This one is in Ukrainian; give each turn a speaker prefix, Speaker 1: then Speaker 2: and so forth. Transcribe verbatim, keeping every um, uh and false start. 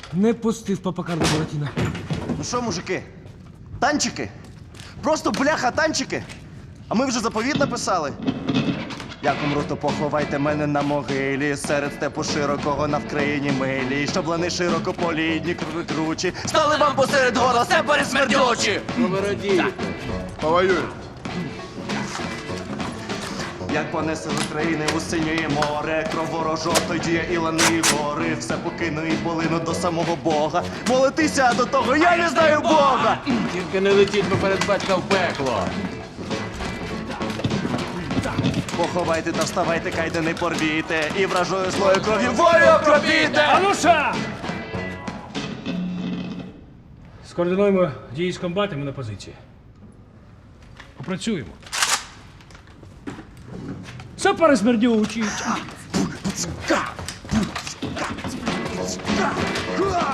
Speaker 1: Не пустив папака до Буратіна.
Speaker 2: Ну що, мужики? Танчики? Просто бляха танчики? А ми вже заповіт написали. Як умру, то поховайте мене на могилі, серед степу широкого на Вкраїні милі, щоб лани широкополідні, кручі, стали вам посеред горла степари смердючі!
Speaker 3: Ну ви радієте.
Speaker 4: Повоюй.
Speaker 2: Як понесе з України у синє море, кров ворожо, тоді я і лани, і гори, все покину і полину до самого Бога. Молитися до того, я не знаю Бога!
Speaker 3: Тільки не летіть поперед батька в пекло.
Speaker 2: Поховайте та вставайте, кайде не порвіте, і вражою злою кров'ю волю окропіте!
Speaker 1: Ануша! Скоординуємо дії з комбатами на позиції. Попрацюємо. Сапари смердючі!